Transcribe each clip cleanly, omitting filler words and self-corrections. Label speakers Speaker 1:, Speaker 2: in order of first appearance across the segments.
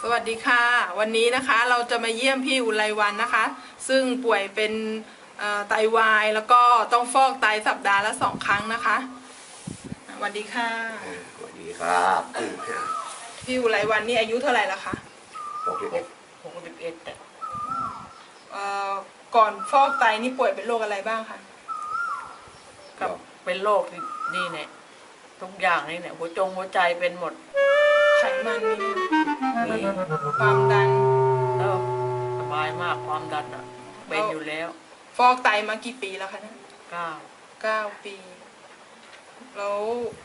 Speaker 1: สวัสดีค่ะวันนี้นะคะเราจะมาเยี่ยมพี่อุไรวรรณนะคะซึ่งป่วยเป็นไตวายแล้วก็ต้องฟอกไตสัปดาห์ละ2 ครั้งนะคะสวัสดีค่ะ
Speaker 2: สวัสดีครับ
Speaker 1: พี่อุไรวรรณนี่อายุเท่าไหร่ละคะ
Speaker 2: 61
Speaker 1: ก่อนฟอกไตนี่ป่วยเป็นโรคอะไรบ้างคะ
Speaker 3: กับเป็นโรคนี่เนี่ยทุกอย่างนี่เนี่ยหัวใจเป็นหมด
Speaker 1: ไขมันมีความดัน
Speaker 3: สบายมากความดันเป็นอยู่แล้ว
Speaker 1: ฟอกไตมากี่ปีแล้วคะเนี่ย9 ปีแล้ว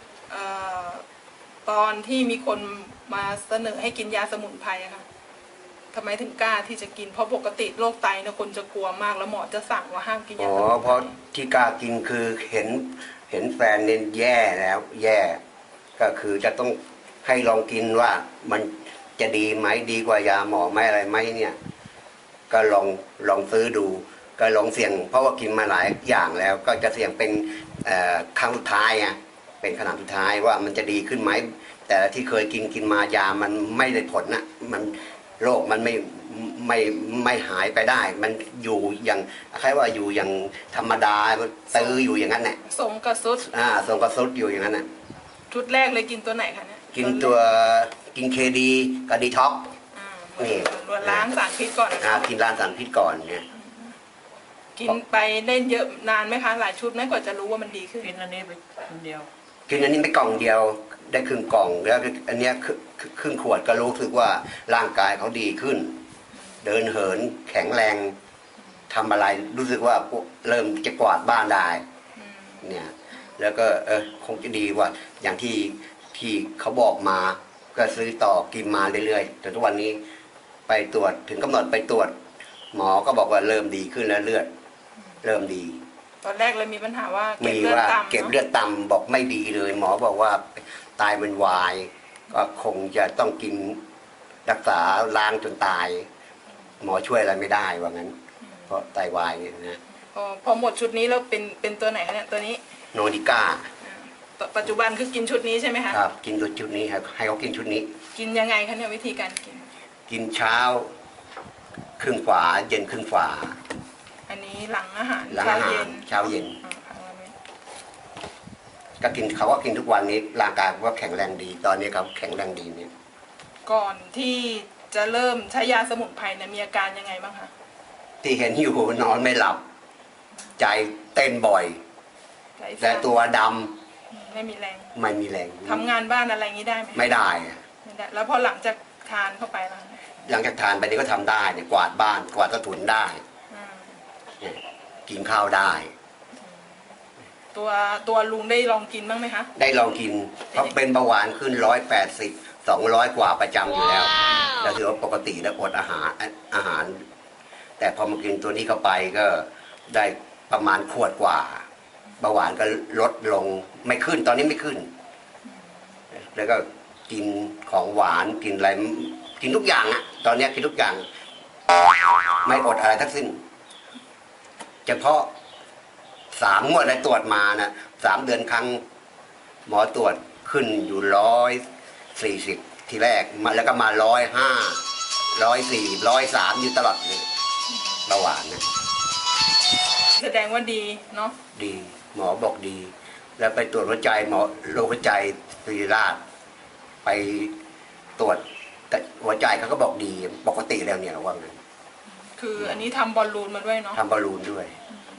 Speaker 1: ตอนที่มีคนมาเสนอให้กินยาสมุนไพรอะค่ะทำไมถึงกล้าที่จะกินเพราะปกติโรคไตเนี่ยคนจะกลัวมากแล้วหมอจะสั่งว่าห้ามกินยาสมุนไพร
Speaker 2: เพราะที่กล้ากินคือเห็นแฟนเนี่ยแย่แล้วแย่ก็คือจะต้องให้ลองกินว่ามันจะดีไหมดีกว่ายาหมอไหมอะไรไหมเนี่ยก็ลองซื้อดูก็ลองเสี่ยงเพราะว่ากินมาหลายอย่างแล้วก็จะเสี่ยงเป็นครั้งสุดท้ายไงเป็นขนาดสุดท้ายว่ามันจะดีขึ้นไหมแต่ที่เคยกินมายามันไม่ได้ผลนะมันโรคมันไม่หายไปได้มันอยู่อย่างคล้ายว่าอยู่อย่างธรรมดาตื้ออยู่อย่างนั้นแหละ
Speaker 1: สมกระสุด
Speaker 2: สมกระสุดอยู่อย่างนั้นน่ะ
Speaker 1: ชุดแรกเลยกินตัวไหนคะเนี่ย
Speaker 2: กินเคดีกับดีท็อก
Speaker 1: นี่ล้างสารพิษก่อน
Speaker 2: กินล้างสารพิษก่อนเนี่ย
Speaker 1: กินไปเล่นเยอะนานไหมคะหลายชุดไหมกว่าจะรู้ว่ามันดีขึ้น
Speaker 3: กินอันนี้ไปคนเดียว
Speaker 2: กินอันนี้ไม่กล่องเดียวได้ครึ่งกล่องแล้วอันนี้ครึ่งขวดก็รู้สึกว่าร่างกายเขาดีขึ้นเดินเหินแข็งแรงทำอะไรรู้สึกว่าเริ่มจะกวาดบ้านได้เนี่ยแล้วก็คงจะดีกว่าอย่างที่เขาบอกมาก็ซื้อต่อกินมาเรื่อยๆจนทุกวันนี้ไปตรวจถึงกำหนดไปตรวจหมอก็บอกว่าเริ่มดีขึ้นแล้วเลือดเริ่มดี
Speaker 1: ตอนแรกเลยมีปัญหาว่า
Speaker 2: เก็บเลือดต่ำบอกไม่ดีเลยหมอบอกว่าไตมันวายก็คงจะต้องกินรักษาล้างจนตายหมอช่วยอะไรไม่ได้ว่างั้นเพราะไตวายเนี่ยนะ
Speaker 1: พอหมดชุดนี้แล้วเป็นตัวไหนคะเนี่ยตัวนี้
Speaker 2: โนดิก้า
Speaker 1: ปัจจุบันคือกินชุดนี้ใช่ไหมคะ
Speaker 2: ครับกินชุดนี้ครับให้เขากินชุดนี้
Speaker 1: กินยังไงคะเนี่ยวิธีการ
Speaker 2: กินเช้าครึ่งฝาเย็นครึ่งฝา
Speaker 1: อันนี้หลังอาหาร
Speaker 2: เช้าเย็นก็กินเขาว่ากินทุกวันนี้ร่างกายว่าแข็งแรงดีตอนนี้เขาแข็งแรงดีเนี่ย
Speaker 1: ก่อนที่จะเริ่มใช้ยาสมุนไพรเนี่ยมีอาการยังไงบ้างคะ
Speaker 2: ที่เห็นอยู่นอนไม่หลับใจเต้นบ่อยแต่ตัวด
Speaker 1: ำไม่มีแรงทำงานบ้านอะไรงี้ได้ไหม
Speaker 2: ไม่ได้
Speaker 1: แล้วพอหลังจากทานเข้าไปแล้ว
Speaker 2: หลังจากทานไปนี่ก็ทำได้เนี่ยกวาดบ้านกวาดใต้ถุนได้กินข้าวได้
Speaker 1: ตัวลุงได้ลองกินบ้างไหมคะ
Speaker 2: ได้ลองกินเพราะเป็นเบาหวานขึ้น180 200กว่าประจำอยู่แล้วแล้วถือว่าปกติแล้วอดอาหารแต่พอมากินตัวนี้เข้าไปก็ได้ประมาณขวดกว่าเบาหวานก็ลดลงไม่ขึ้นตอนนี้ไม่ขึ้นแล้วก็กินของหวานกินอะไรกินทุกอย่างอะตอนนี้กินทุกอย่างไม่อดอะไรทั้งสิ้นเฉพาะ3 งวดได้ตรวจมานะ3 เดือนครั้งหมอตรวจขึ้นอยู่140ทีแรกมาแล้วก็มา105 104 103อยู่ตลอดเลยเบาหวานนะ
Speaker 1: แสดงว่าดีเนาะ
Speaker 2: ดีหมอบอกดีแล้วไปตรวจหัวใจหมอโรคหัวใจศิริราชไปตรวจหัวใจเขาก็บอกดีปกติแล้วเนี่ยว่างั้น
Speaker 1: คืออันนี้ทำบอลลูนมาด้วยเนาะ
Speaker 2: ทำบอลลูนด้วย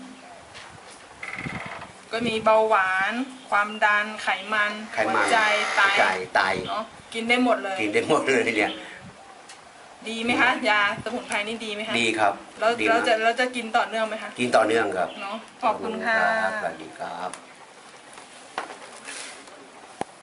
Speaker 1: ก็มีเบาหวานความดันไขมันหัวใจไตเนาะกินได้หมดเลย
Speaker 2: เนี่ย
Speaker 1: ดีไหมคะยาสมุนไพรนี่ดีไหมคะ
Speaker 2: ดีครับ
Speaker 1: แล้วเราจะกินต่อเนื่องไหมคะ
Speaker 2: กินต่อเนื่องครับ
Speaker 1: เนาะขอบคุณค่ะ
Speaker 2: สวัสดีครับ